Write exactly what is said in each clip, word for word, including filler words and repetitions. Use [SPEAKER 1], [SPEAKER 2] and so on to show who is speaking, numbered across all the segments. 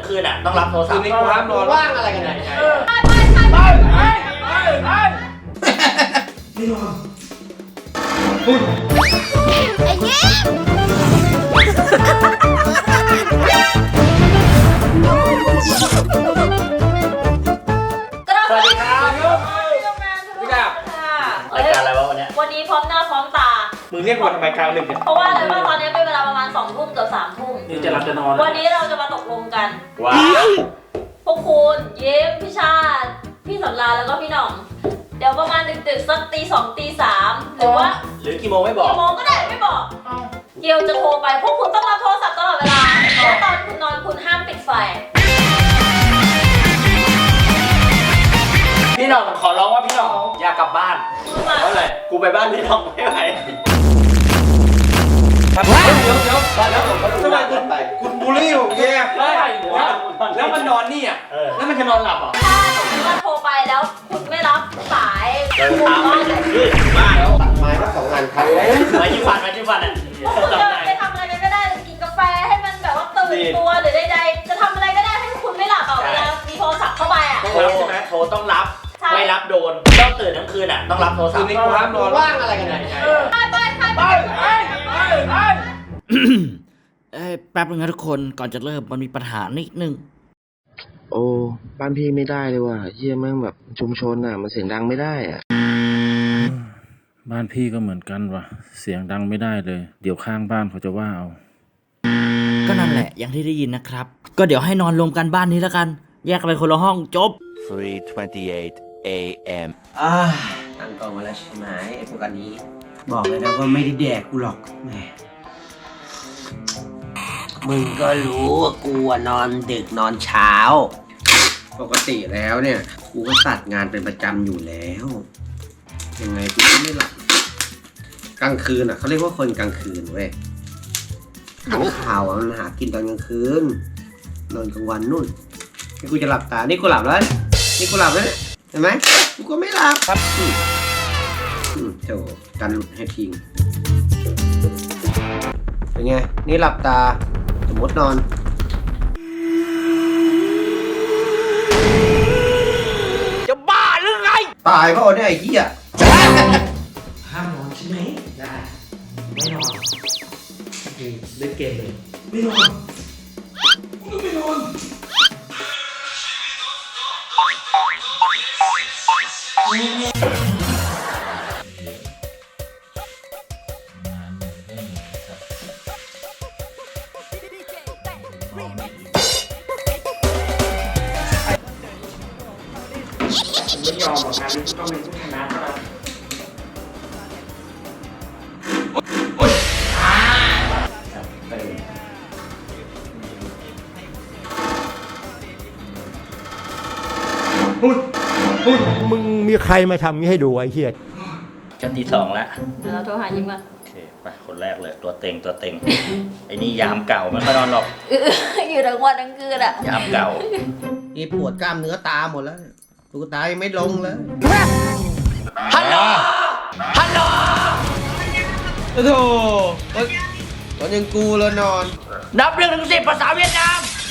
[SPEAKER 1] คืนอ่ะต้องรับโทรศัพท์
[SPEAKER 2] คืนนี้กูห้ามนอน
[SPEAKER 3] ว่างอะไรกันไหน
[SPEAKER 4] ไปไปไปไปไปไป
[SPEAKER 2] ไม่นอน
[SPEAKER 4] ไอ้เงี้ย
[SPEAKER 1] สวัสดีครับ
[SPEAKER 2] พี่กับ
[SPEAKER 1] รายการอะไรวะวันนี้
[SPEAKER 4] วันนี้พร้อมหน้าพร้อมตา
[SPEAKER 2] มึงเรียกวันทำไมกลางดึกเนี่ย
[SPEAKER 4] เพราะว่าอะไรว่าตอนนี้เป็นเวลาประมาณสองทุ่มเกือบสามทุ่ม
[SPEAKER 2] นี่จะรับจะนอน
[SPEAKER 4] วันนี้เราจะมาตกลงกัน
[SPEAKER 1] ว้าว
[SPEAKER 4] พวกคุณเย้มพี่ชาติพี่สำราญแล้วก็พี่หน่อง เดี๋ยวประมาณดึกๆสักตีสองตีสามหรือว่า
[SPEAKER 1] หรือกี่โมงไม่บอก
[SPEAKER 4] กี่โมงก็ได้ไม่บอกเกียวจะโทรไปพวกคุณต้องรับโทรศัพท์ตลอดเวลาแล้วตอนคุณนอนคุณห้ามปิดไฟ
[SPEAKER 1] พี่หน้องขอร้องว่าพี่หน้องอยากกลับบ้าน
[SPEAKER 4] มา
[SPEAKER 1] เพราะอะไรกูไปบ้านพี่หน้องไม่ไหว
[SPEAKER 2] ครับเดี๋ยวเดี๋ยว
[SPEAKER 1] บ้านแล้วผมก็ดู
[SPEAKER 2] ทำไม
[SPEAKER 1] แล
[SPEAKER 2] คุณ
[SPEAKER 1] ไป
[SPEAKER 2] คุณบูลลี่ผมแย่แล้วแล้วมันนอนนี่อ่ะ
[SPEAKER 1] เออแล้วมันจะนอนหลับเหรอ
[SPEAKER 4] ถ้าสมมติว่าโทรไปแล้วคุณไม่รับสาย
[SPEAKER 1] เดิน
[SPEAKER 4] คุณ
[SPEAKER 1] ทาง
[SPEAKER 4] ก็
[SPEAKER 1] ไปขึ้นบ้าแล้ว
[SPEAKER 3] ตัดไม้ก็สองงานครับ
[SPEAKER 1] ไว้ที่ฟันไว้ที่ฟันอ่ะ
[SPEAKER 4] พวกคุณจะไปทำอะไรกันก็ได้กินกาแฟให้มันแบบว่าตื่นตัวหรือใดๆจะทำอะไรก็ได้ให้คุณไม่หลับเอาเวลามีโทรศัพท์เข้าไปอ่ะ
[SPEAKER 1] โทรใช่ไหมโทรต้องรับไม่รับโดนต้องตื่นทั้งคืนอ่ะต้องรับโทรศั
[SPEAKER 2] คื
[SPEAKER 1] พ
[SPEAKER 2] น
[SPEAKER 1] ท์
[SPEAKER 2] นี้กูห้ามนอน
[SPEAKER 3] ว่างอะไรกันไหน
[SPEAKER 4] ไปไปไปไป
[SPEAKER 5] เอ้ยแป๊บนึงนะทุกคนก่อนจะเริ่มมันมีปัญหานิดนึง
[SPEAKER 6] โอ้บ้านพี่ไม่ได้เลยว่ะเฮียแม่งแบบชุมชนอ่ะมันเสียงดังไม่ได้อ่ะ
[SPEAKER 7] บ้านพี่ก็เหมือนกันว่ะเสียงดังไม่ได้เลย เดี๋ยวข้างบ้านเขาจะว่าเอา
[SPEAKER 5] ก็นั่นแหละอย่างที่ได้ยินนะครับ ก็เดี๋ยวให้นอนรวมกันบ้านนี้แล้วกัน แยกกันไปคนละห้องจบ
[SPEAKER 8] three twenty-eight a m
[SPEAKER 3] อ่าตั้งกล้องมาแล้วใช่ไหมไอ้พวกอันนี้ บอกเลยนะว่าไม่ได้แดกกูหรอกแหมมึงก็รู้ว่ากูอะนอนดึกนอนเช้า ปกติแล้วเนี่ยกูก็ตัดงานเป็นประจำอยู่แล้วยังไงกูก็ไม่หลับกลางคืนอ่ะเขาเรียกว่าคนกลางคืนเว้ยขังข่าวอะมันหากินตอนกลางคืนนอนกลางวันนู่นนี่กูจะหลับตานี่กูหลับแล้วนี่กูหลับแล้วเนี่ยเห็นไหมกูก็ไม่หลับครับอืมอืมโถกันหลุดให้ทิ้งเป็นไงนี่หลับตาสมมตินอนจะบ้าหรือไงตายเพราะเนี่ยไอ้เหี้ยห้ามนอนใช่ไหมได้ไม่นอนเล่นเกมเลยไม่นอนกูไม่นอน
[SPEAKER 2] ไม่ยอมหรอกงานนี้ต้องเป็นผู้ชนะแล้ว
[SPEAKER 9] มึงมีใครมาทำนี้ให้ดูไอ้เหี้ย
[SPEAKER 1] ชั้นที่สองแล้ว
[SPEAKER 4] เดี๋ยวเราโทรหายิ้มก่อน
[SPEAKER 1] โอเคไปคนแรกเลยตัวเต็งตัวเต็ง ไอ้นี่ยามเก่าไม่ค่อยนอนหรอก
[SPEAKER 4] อยู่ทั้งวันทั้งคืนอ่ะ
[SPEAKER 1] ยามเก่า
[SPEAKER 3] นี่ปวดกล้ามเนื้อตาหมดแล้วตุ๊กตายังไม่ลงเลย
[SPEAKER 1] ฮัลโหลฮัลโหล
[SPEAKER 3] โอ้โหตอนยังกูแล้วนอน
[SPEAKER 1] นับเรื่องถึงสิบภาษาเวียดนาม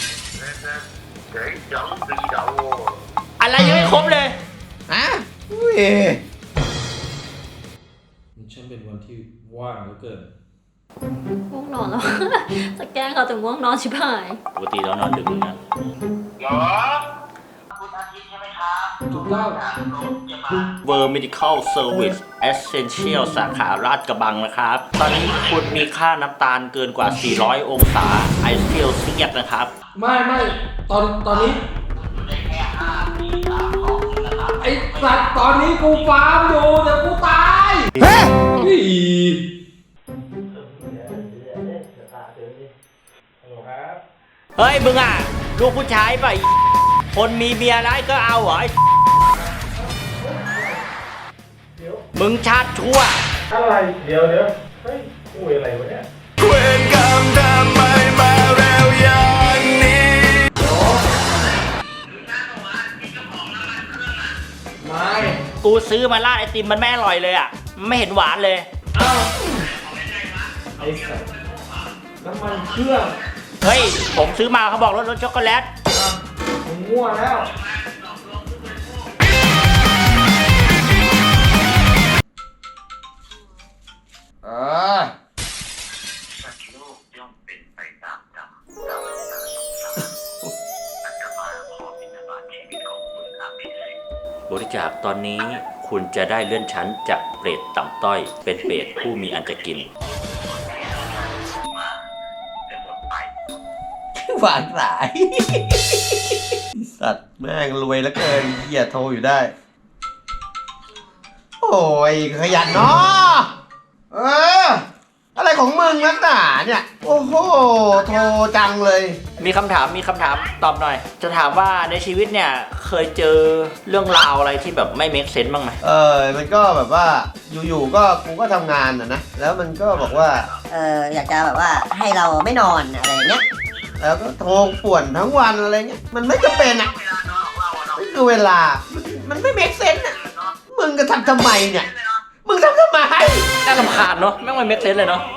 [SPEAKER 1] อะไรยังไม่ครบเลย
[SPEAKER 3] ฮะอุ้ย
[SPEAKER 7] ฉันเป็นวันที่ว่างเหลือเกิน
[SPEAKER 4] ง่วงนอนแล้ว จะแกล้งเขาแต่ง่วงนอนชิบหาย
[SPEAKER 1] ปกติเรานอนดึกเหมือนกัน
[SPEAKER 2] ถูกต้อง
[SPEAKER 1] เวอร์ Medical Service Essential สาขาราชกระบังนะครับ ตอนนี้คุณมีค่าน้ำตาลเกินกว่า สี่ร้อย องศาไอเซลเซียสนะครับ
[SPEAKER 2] ไม่ไม่ตอนตอนนี้ไอ้สัตว์ตอนนี้กูฟาร์มอยู่แต่กูตายเฮ้ย
[SPEAKER 1] เฮ้ย มึงอ่ะ ลูกผู้ชายป่ะไอ้คนมีเมียร้ายก็เอาเหรอไอ้มึงชาติชั่ว
[SPEAKER 2] อะไรเดี๋ยวเดี๋ยวเฮ้ยคุยอะไรวะเนี่ย
[SPEAKER 8] เวรกรรมทำไมมาเร็วอย่างนี้
[SPEAKER 2] ไม่
[SPEAKER 1] กูซื้อมาราดไอติมมันไม่อร่อยเลยอ่ะ ไม่เห็นหวานเลย
[SPEAKER 2] อ้าวไอ้สัตว์น้ำมันเครื่อง
[SPEAKER 1] เฮ้ย ผมซื้อมาเขาบอกรสรสช็อกโกแลต
[SPEAKER 2] มั่วแล้วเออ
[SPEAKER 1] บริจาคตอนนี้คุณจะได้เลื่อนชั้นจากเปรตต่ำต้อย เป็นเปรตผู้มีอันจะกิน
[SPEAKER 3] วางสาย สัตว์แม่งรวยแล้วเกินเหี้ยโทรอยู่ได้ โอ้ยขยันเนาะเออ อะไรของมึงนักหนาเนี่ย โอ้โห โทรจังเลย
[SPEAKER 1] มีคำถามมีคำถามตอบหน่อย จะถามว่าในชีวิตเนี่ยเคยเจอเรื่องราวอะไรที่แบบไม่ make sense บ้างไหม
[SPEAKER 3] เออ มันก็แบบว่าอยู่ๆก็กูก็ทำงานอ่ะนะ แล้วมันก็บอกว่า
[SPEAKER 10] เอออยากจะแบบว่าให้เราไม่นอนอะไรอย่างเงี้ย
[SPEAKER 3] แล้วก็โทรป่วนทั้งวันอะไรเงี้ย มันไม่จำเป็นอ่ะไม่คือเวลา มันไม่เมคเซนส์อ่ะ มึงก็ทำทำไมเนี่ย มึงทำทำไม
[SPEAKER 1] น่ารำคาญเนาะแม่งไม่ make sense เลยเนาะ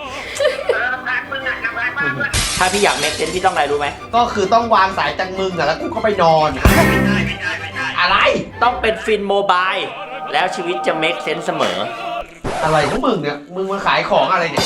[SPEAKER 1] ถ้าพี่อยาก make sense พี่ต้องอะไรรู้ไหม
[SPEAKER 3] ก็คือต้องวางสายจากมึงอ่ะแล้วกูก็ไปนอน อะไร
[SPEAKER 1] ต้องเป็นฟินโมบายแล้วชีวิตจะ make sense เสมอ
[SPEAKER 3] อะไรของมึงเนี่ย มึงมาขายของอะไรเนี่ย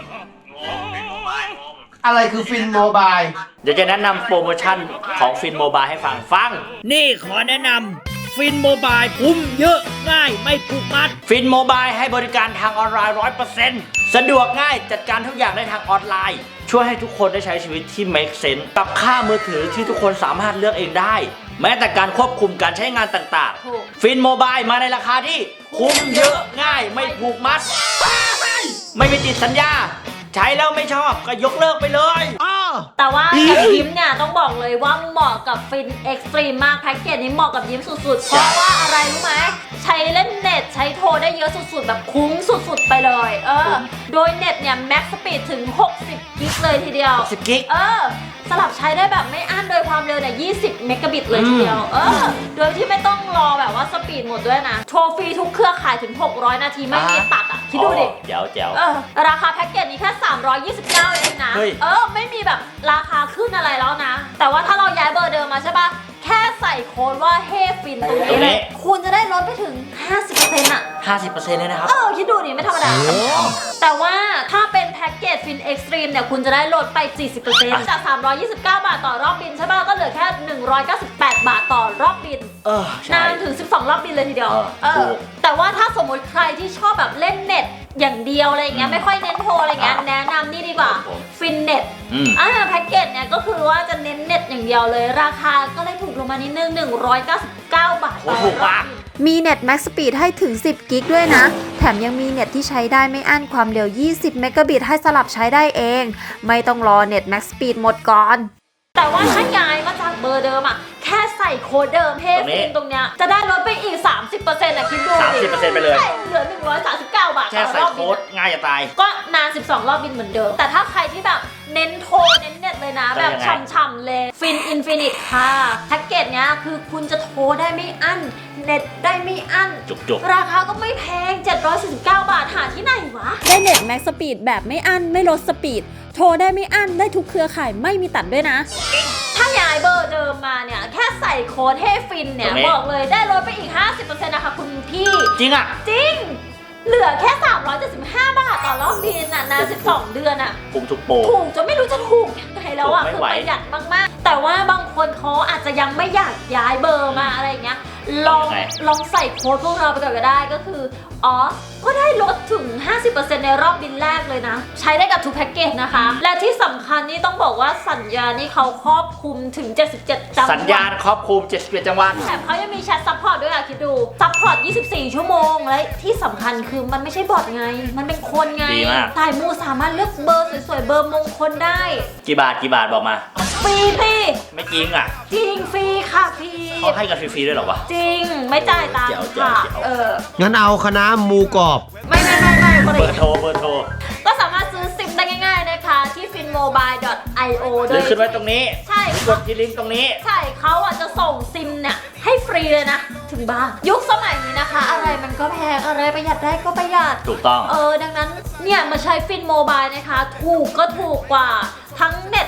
[SPEAKER 3] อะไรคือฟินโมบาย
[SPEAKER 1] เดี๋ยวจะแนะนำโปรโมชั่นของฟินโมบายให้ฟังฟัง
[SPEAKER 5] นี่ขอแนะนำฟินโมบายคุ้มเยอะง่ายไม่ผูกมัด
[SPEAKER 1] ฟินโมบายให้บริการทางออนไลน์ ร้อยเปอร์เซ็นต์ สะดวกง่ายจัดการทุกอย่างได้ทางออนไลน์ ช่วยให้ทุกคนได้ใช้ชีวิตที่ make sense กับค่ามือถือที่ทุกคนสามารถเลือกเองได้ แม้แต่การควบคุมการใช้งานต่างๆ ฟินโมบายมาในราคาที่คุ้มเยอะง่ายไม่ผูกมัด ไม่มีติดสัญญา ใช้แล้วไม่ชอบก็ยกเลิกไปเลย
[SPEAKER 4] แต่ว่ากับยิ้มเนี่ยต้องบอกเลยว่าเหมาะกับฟินเอ็กซ์ตรีมมากแพ็กเกจนี้เหมาะกับยิ้มสุดๆ เพราะว่าอะไรรู้ไหมใช้เล่นเน็ตใช้โทรได้เยอะสุดๆ แบบคุ้มสุดๆไปเลยเออโดยเน็ตเนี่ยแม็กซ์สปีดถึงหกสิบกิกเลยทีเดียว
[SPEAKER 1] สิบกิก
[SPEAKER 4] เออสลับใช้ได้แบบไม่อั้นโดยความเร็วเนี่ยยี่สิบเมกะบิตเลยทีเดียวเออโดยที่ไม่ต้องรอแบบว่าสปีดหมดด้วยนะโทรฟรีทุกเครือข่ายถึงหกร้อยนาทีไม่มีตัดอ่ะคิดดูดิ
[SPEAKER 1] แจ๋วแจ๋ว
[SPEAKER 4] เออราคาแพ็กเกจนี้แค่สามร้อยยี่สิบเก้าเองนะ
[SPEAKER 1] เฮ้ย
[SPEAKER 4] เออไม่มีแบบราคาขึ้นอะไรแล้วนะ แต่ว่าถ้าเราย้ายเบอร์เดิมมาใช่ปะแค่ใส่โค้ดว่าเฮฟินตรงนี้เลยคุณจะได้ลดไปถึง ห้าสิบเปอร์เซ็นต์ อ่ะ
[SPEAKER 1] ห้าสิบเปอร์เซ็นต์ เลยนะครับ
[SPEAKER 4] เออคิดดูดิไม่ธรรมดาแต่ว่าถ้าเป็นแพ็กเกจฟินเอ็กซ์ตรีมเนี่ยคุณจะได้ลดไป สี่สิบเปอร์เซ็นต์ จากสามร้อยยี่สิบเก้าบาทต่อรอบบินใช่ปะก็เหลือแค่หนึ่งร้อยเก้าสิบแปดบาทต่อรอบบิน
[SPEAKER 1] เออใช่
[SPEAKER 4] นานถึงสิบสองรอบบินเลยทีเดียว
[SPEAKER 1] เออ
[SPEAKER 4] เอ
[SPEAKER 1] ถู
[SPEAKER 4] อก แต่ว่าถ้าสมมติใครที่ชอบแบบเล่นเน็ตอย่างเดียวอะไรอย่างเงี้ยไม่ค่อยเน้นโทรอะไรเงี้ยแนะนำนี่ดีกว่าฟินเน็ต
[SPEAKER 1] อืม
[SPEAKER 4] อ่าแพ็กเกจเนี่ยก็คือว่าจะเน้นเน็ตอย่างเดียวเลยราคาก็เลยถูกลงมานิดนึงหนึ่งร้อยเก้าสิบเก้าบาทต่อ
[SPEAKER 1] ถูก
[SPEAKER 4] รอบ
[SPEAKER 1] มาก
[SPEAKER 4] บิน
[SPEAKER 11] มีเน็ต Max Speed ให้ถึง สิบ กิกด้วยนะ แถมยังมีเน็ตที่ใช้ได้ไม่อั้นความเร็ว ยี่สิบ เมกะบิตให้สลับใช้ได้เอง ไม่ต้องรอเน็ต Max Speed หมดก่อน
[SPEAKER 4] แต่ว่าถ้าย้ายมาจากเบอร์เดิมอ่ะแค่ใส่โค้ดเดิมเฮ
[SPEAKER 1] ตรงนี้
[SPEAKER 4] ฟินตรงเนี้ยจะได้ลดไปอีก สามสิบเปอร์เซ็นต์ อ่ะคิดดูดิ
[SPEAKER 1] สามสิบเปอร์เซ็นต์ ไปเลย
[SPEAKER 4] ใช่เหลือหนึ่งร้อยสามสิบเก้าบาท
[SPEAKER 1] แค่
[SPEAKER 4] ต่อ
[SPEAKER 1] ใส่
[SPEAKER 4] รอบบิ
[SPEAKER 1] โค้
[SPEAKER 4] น
[SPEAKER 1] ดง่ายจะตาย
[SPEAKER 4] ก็นานสิบสองรอบบินเหมือนเดิม แต่ถ้าใครที่แบบเน้นโทรเน้นเน็ตเลยนะ
[SPEAKER 1] ก็
[SPEAKER 4] แบ
[SPEAKER 1] ยั
[SPEAKER 4] บ
[SPEAKER 1] งไง
[SPEAKER 4] ฉ่ำๆเลยฟินอินฟินิตค่ะแพ็กเกจเนี้ยคือคุณจะโทรได้ไม่อั้นเน็ตได้ไม่อั้น
[SPEAKER 1] จุก
[SPEAKER 4] ราคาก็ไม่แพงเจ็ดร้อยสี่สิบเก้าบาทหาที่ไหนวะ
[SPEAKER 11] ได้เน็ต Max Speed แบบไม่อั้นไม่ลดสปีด โทรได้ไม่อั้นได้ทุกเครือข่ายไม่มีตัดด้วยนะ
[SPEAKER 4] ถ้าย้ายเบอร์เดิมมาเนี่ยแค่ใส่โค้ดเฮฟินเนี่ยบอกเลยได้ลดไปอีก ห้าสิบเปอร์เซ็นต์ นะคะคุณพี่
[SPEAKER 1] ๆ จริงอ่ะ
[SPEAKER 4] จริง เหลือแค่สามร้อยเจ็ดสิบห้าบาทต่อรอบบินน่ะนานสิบสองเดือนอ่ะ
[SPEAKER 1] ปุ่มทุกโปร
[SPEAKER 4] ถูกจนไม่รู้จะถูกยังไงแล้วอ่ะ
[SPEAKER 1] ถูกไม่
[SPEAKER 4] คือ
[SPEAKER 1] ไหว
[SPEAKER 4] ประหยัดมากๆ แต่ว่าบางคนเขาอาจจะยังไม่อยากย้ายเบอร์มาอะไรอย่างเงี้ยลองลองใส่โค้ดพวกเราไปก่อนก็ได้ก็คืออ๋อก็ได้ลดถึง ห้าสิบเปอร์เซ็นต์ ในรอบบินแรกเลยนะ ใช้ได้กับทุกแพ็กเกจนะคะ และที่สำคัญนี่ต้องบอกว่าสัญญานี่เขาครอบคลุมถึงเจ็ดสิบเจ็ดจังหวัด
[SPEAKER 1] สัญญาณครอบคลุมเจ็ดสิบเอ็ดจังหวัด
[SPEAKER 4] แถมเขายังมีแชทซัพพอร์ตด้วยอะคิดดูซัพพอร์ตยี่สิบสี่ชั่วโมงและที่สำคัญคือมันไม่ใช่บอทไง มันเป็นคนไง
[SPEAKER 1] ดีมาก
[SPEAKER 4] สายมูสามารถเลือกเบอร์สวยๆเบอร์มงคลได้
[SPEAKER 1] กี่บาทกี่บาทบอกมา
[SPEAKER 4] ฟรีพี่
[SPEAKER 1] ไม่จริงอ่ะ
[SPEAKER 4] จริงฟรีค่ะพี่
[SPEAKER 1] เขาให้กันฟรีๆด้วยเหรอวะ
[SPEAKER 4] จริงไม่จ่ายตัง
[SPEAKER 1] เจ๋ว
[SPEAKER 4] ค์
[SPEAKER 1] เจ๋ว
[SPEAKER 4] ค่ะ
[SPEAKER 1] เจ๋ว
[SPEAKER 4] เออ
[SPEAKER 3] งั้นเอาคณะหมูกรอบ
[SPEAKER 4] ไม่ไม่ไม่ไม่คน
[SPEAKER 1] เบอ
[SPEAKER 4] ละ
[SPEAKER 1] ร์โทรเบอร์โทร
[SPEAKER 4] ก็สามารถซื้อซิมได้ง่ายๆนะคะที่ ฟินโมบาย ดอท ไอ โอ
[SPEAKER 1] ห
[SPEAKER 4] โด
[SPEAKER 1] รือย ขึ้นไว้ตรงนี้
[SPEAKER 4] ใช่
[SPEAKER 1] กดที่ลิงก์ตรงนี้
[SPEAKER 4] ใช่เขาอ่ะจะส่งซิมเนี่ยให้ฟรีเลยนะ ถึงบ้านยุคสมัยนี้นะคะ อะไรมันก็แพงอะไรประหยัดได้ก็ประหยัด
[SPEAKER 1] ถูกต้อง
[SPEAKER 4] เออดังนั้นเนี่ยมาใช้ฟินโมบายนะคะ ถูกก็ถูกกว่าทั้งเน็ตทั้งโทร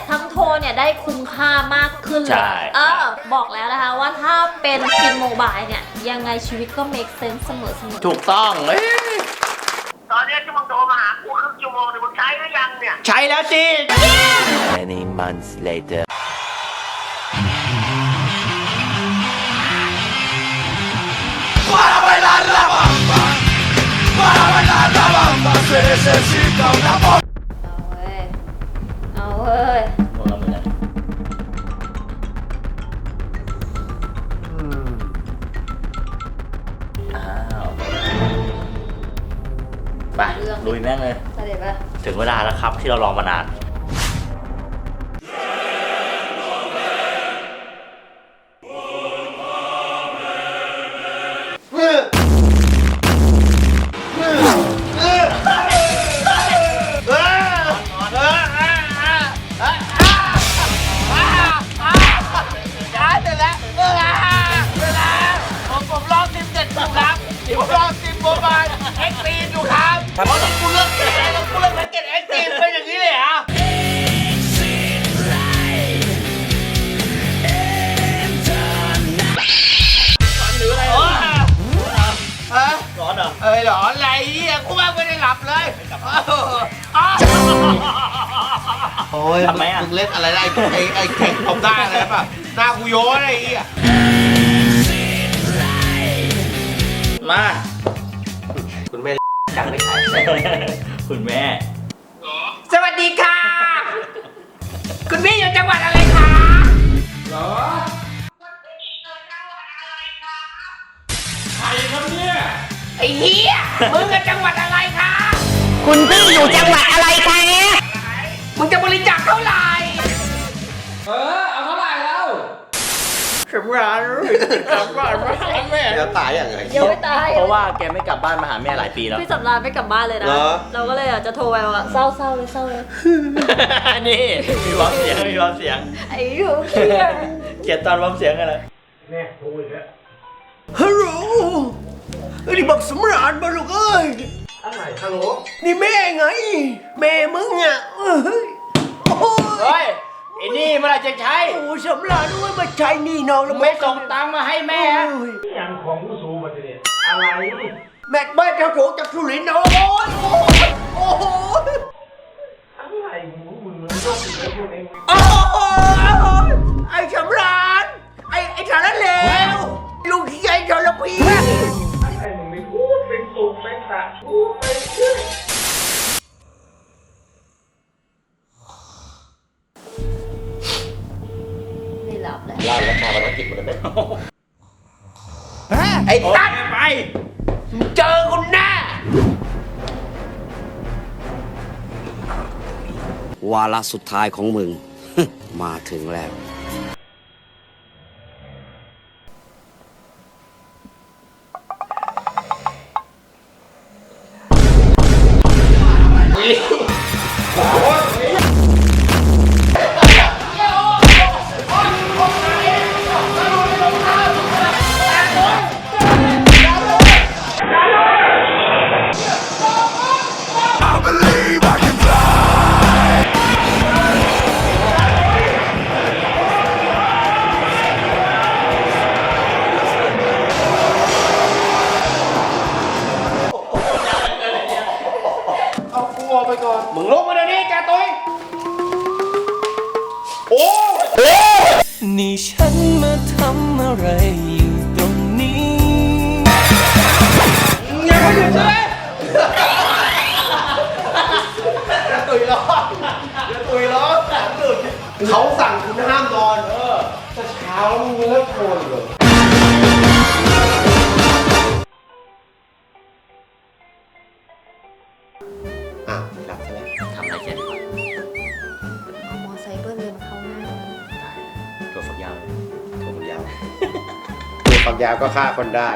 [SPEAKER 4] เนี่ยได้คุ้มค่ามากขึ้นเล
[SPEAKER 1] ใช่
[SPEAKER 4] ยเออบอกแล้วนะคะว่าถ้าเป็นฟินโมบายเนี่ยยังไงชีวิตก็ make sense เสมอเสมอ
[SPEAKER 1] ถูกต้องเอ้ย
[SPEAKER 10] ตอนนี้ที่มึงโทรมาหากูครึ่งชั่วโมงเนี่ยมึงใช้หรือยังเนี่ย
[SPEAKER 1] ใช้แล้วสิ
[SPEAKER 8] Many months later
[SPEAKER 4] เอาเว้ย
[SPEAKER 1] พวกเราเหมือนกันอ้าวไปลุยแม่งเลย
[SPEAKER 4] เสด็จปะ
[SPEAKER 1] ถึงเวลาแล้วครับที่เรารอมานาน
[SPEAKER 3] เอ้ยหรออะไรอ่ะกูว่าไม่ได้หลับเลยโอ้ย
[SPEAKER 1] ทำไมอ่ะ
[SPEAKER 3] มึงเล่นอะไรได้ไอ้ไอ้แข่งตบได้อะไรป่ะหน้ากูโย้อะไรอ่ะ
[SPEAKER 1] มา
[SPEAKER 3] คุณแม่จังไม่ใช่
[SPEAKER 1] คุณแม่
[SPEAKER 3] สวัสดีค่ะ คุณพี่อยู่จังหวัดอะไรคะ
[SPEAKER 2] เหรอใครครับเนี่ย
[SPEAKER 3] ไอ้เหี้ยมึงกับจังหวัดอะไรคะ
[SPEAKER 10] คุณพี่อยู่จังหวัดอะไรคะ
[SPEAKER 3] มึงจะบริจาคเท่าไหร่
[SPEAKER 2] เออเอาเท่าไหร่แล้ว
[SPEAKER 3] สำราญสำราญมาหาแม่จะตายอย่างไร
[SPEAKER 4] ยังไม่ตาย
[SPEAKER 1] เพราะว่าแกไม่กลับบ้านมาหาแม่หลายปีแล้ว
[SPEAKER 4] พี่สำราญไม่กลับบ้านเลยนะ
[SPEAKER 3] เหรอ
[SPEAKER 4] เราก็เลยอยากจะโทรไปว่าเศร้าเศร้าเลยเศร้าเลย
[SPEAKER 1] นี่มีวอมเสียงมีวอมเสียง
[SPEAKER 4] ไอ้หูเครียด
[SPEAKER 1] เกลียดตอนวอมเสียงอะไร
[SPEAKER 3] ฮัลโหลนี่บอกสำราญมาลูกเอ้ย
[SPEAKER 2] อะไรฮัลโหล
[SPEAKER 3] นี่แม่ไง แม่มึงอ่ะเอ้ยโอ้ย
[SPEAKER 1] เฮ้ยไอ้นี่เมื่อไหรจะใช้
[SPEAKER 3] โอ้สำราญด้วยมาใช้หนี่น้องแล้ว
[SPEAKER 1] ไม่ส่งตังค์มาให้แม่
[SPEAKER 3] โอ้ย
[SPEAKER 2] อย่างของผู้สูงมาเนี่ยอะไร
[SPEAKER 3] แม่แม่เจ้าโฉจากสุรินทร์นะโอ้ยโอ้ยโอ้ย
[SPEAKER 2] อะไรมึงมึงมันต้องติดไอ้พวกเอง
[SPEAKER 3] โอ้ยไอ้สำราญไอ้ไอ้สารเลวลูกที่ใหญ่ทรพี
[SPEAKER 2] ไอ้มึงไม่พูดเป็นสุขเป็นสะพูดเป็นชื่อ
[SPEAKER 4] ไม่หลับเลย
[SPEAKER 1] ลาแล้วชาวันกิจมันจะเป็น
[SPEAKER 3] ไอ้ตั๊ด
[SPEAKER 1] ไป
[SPEAKER 3] เจอคุณแน่
[SPEAKER 12] วาระสุดท้ายของมึง มาถึงแล้ว
[SPEAKER 3] มึงลงมาเดี๋ยวนี้แกตุ้ยโอ้
[SPEAKER 8] นี่ฉันมาทำอะไรอยู่ตรงนี้
[SPEAKER 3] ยังไม่หยุดใช่ไหมจะตุยร้อนจะตุยร้อนแสนหลุดเขาสั่งคุณห้ามนอนเออแต่เช้ามึงเลิกโทรเลยอ่ะหลับซะแล้ว
[SPEAKER 1] ทำอะไรเสร็จ
[SPEAKER 4] เอามอไซค์เบิ้ลเลยมาเข้าหน้า
[SPEAKER 1] ตัวฝักยาว
[SPEAKER 3] ตัวฝักยาวตัวฝักยาวก็ฆ่าคนได้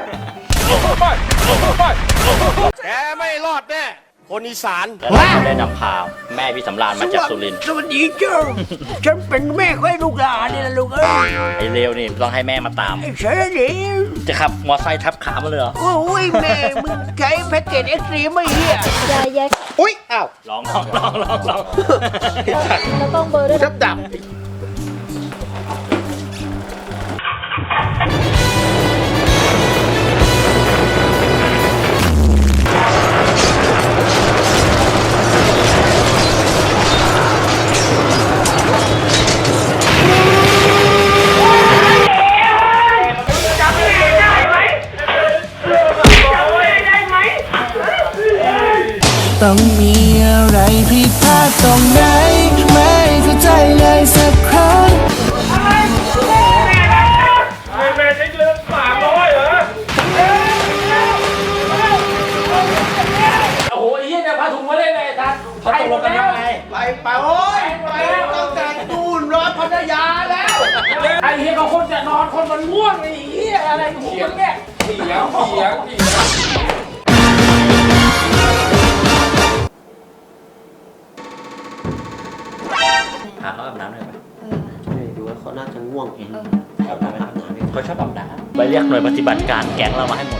[SPEAKER 8] แกไม่รอดแน่ คนอีสาน
[SPEAKER 1] แล้วเราก็ได้นำพาแม่พี่สำราญมาจากสุรินทร์
[SPEAKER 3] สวัสดีเจ้า ฉันเป็นแม่ของไอ้ลูกหลานนี่แหละลูกเอ้ย
[SPEAKER 1] ไอ้เร็วนี่ต้องให้แม่มาตาม
[SPEAKER 3] ไอ้เฉยดิ
[SPEAKER 1] จะขับมอไซค์ทับขามาเลยเหรอ
[SPEAKER 3] โอ้ยแม่มึงใช้แพ็กเกจเอ็กซ์ตรีมไม่เหี้ย
[SPEAKER 4] ยายแยก
[SPEAKER 3] อุ้ยอ้าว
[SPEAKER 1] ลองลองลองลองลอง
[SPEAKER 4] แล้วต้องเบอร์ด้วย
[SPEAKER 3] ชับดับ
[SPEAKER 2] เฮียก็คนจะนอนคนมันง่วงไอ้เฮียอะไรของมึงเนี่ยเถียงเถียงเถียง
[SPEAKER 1] หาเขาอาบน้ำหน่อยไหม
[SPEAKER 3] ดูว่าเขาน่าจะง่วงเอง
[SPEAKER 1] อาบน้ำไหมเขาชอบอาบน้ำไปเรียกหน่วยปฏิบัติการแก๊งเรามาให้หมด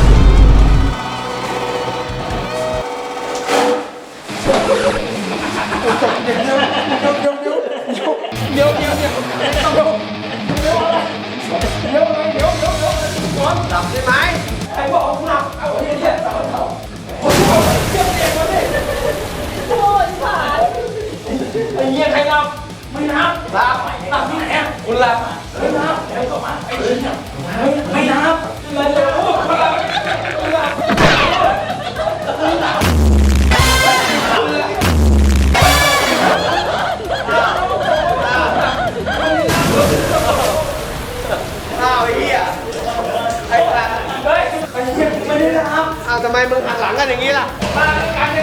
[SPEAKER 2] เดี๋ยวเดี๋ยวเดี๋ยวเดี๋ยวเดี๋ยวเดี๋ยวเดี๋ยวเดี๋ยวเดี๋ยวเดี๋ยวหลับได้ไหมใครบอกหลับเอาเฮียเฮียหลับหลับคนที่บอกเฮียเฮียมาดิโอ้ยผ่านไอ้เฮียใครหลับไม่หลับหลับหลับที่ไหนอ่ะคุณหลับไม่หลับใครบอกมาไอ้เฮียไม่หลับเลยเลยโอ้ยหลับหลับหลับอ้าวทำไมมึงหันหลังกันอย่างนี้ล่ะมากันเนี่ย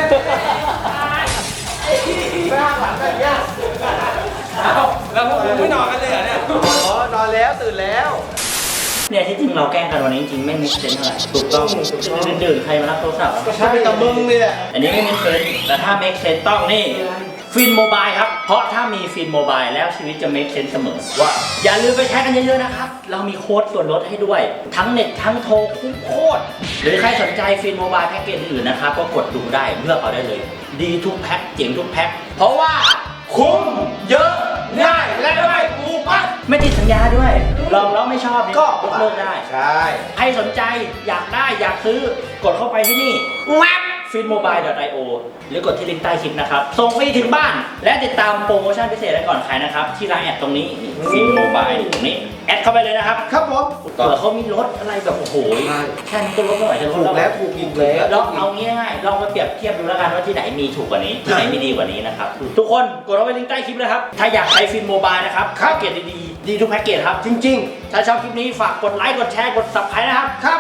[SPEAKER 2] ไม่หันหลังกันอย่างนี้อ้าวแล้วพวกมึงไม่นอนกันเลยเหรอเนี่ยอ๋อนอนแล้วตื่นแล้ว
[SPEAKER 1] เนี่ยที่จริงเราแกล้งกันวันนี้จริงไม่มีเซนเท่าไหร่ถูกต้องดื่นๆใครมารับโทรศัพท์
[SPEAKER 2] ก็ใช่กับมึงนี่แหละ
[SPEAKER 1] อันนี้ไม่มีเซนแต่ถ้า make sense ต้องนี่ฟินโมบายครับเพราะถ้ามีฟินโมบายแล้วชีวิตจะ make sense เสมอว่าอย่าลืมไปใช้กันเยอะๆนะครับเรามีโค้ดส่วนลดให้ด้วยทั้งเน็ตทั้งโทรคุ้มโคตรหรือใครสนใจฟินโมบายแพ็กเกจอื่นๆนะครับก็กดดูได้เลือกเอาได้เลยดีทุกแพ็คเจ๋งทุกแพ็คเพราะว่าคุ้มเยอะง่ายและไม่ผูกมัดไม่ติดสัญญาด้วยลองแล้วไม่ชอบก็ยกเลิกได้ใช่ใครสนใจอยากได้อยากซื้อกดเข้าไปที่นี่แวบ ฟินโมบาย ดอท ไอ โอ หรือกดที่ลิงก์ใต้คลิปนะครับส่งฟรีถึงบ้านและติดตามโปรโมชั่นพิเศษได้ก่อนใครนะครับที่ไลน์แอดตรงนี้ฟินโมบายตรงนี้แอดเข้าไปเลยนะครับครับผมเผื่อเขามีรถอะไรแบบโอ้โหแค่นี้ก็ลดไม่ไหวจะลดแล้วถูกอีกแล้วลองเอาง่ายๆลองมาเปรียบเทียบดูแล้วกันว่าที่ไหนมีถูกกว่านี้ที่ไหนมีดีกว่านี้นะครับทุกคนกดเข้าไปลิงก์ใต้คลิปเลยครับถ้าอยากใช้ฟินโมบายนะครับแพ็กเกจดีๆดีทุกแพ็กเกจครับจริงๆถ้าชอบคลิปนี้ฝากกดไลค์กดแชร์กด ซับสไครบ์ นะครับ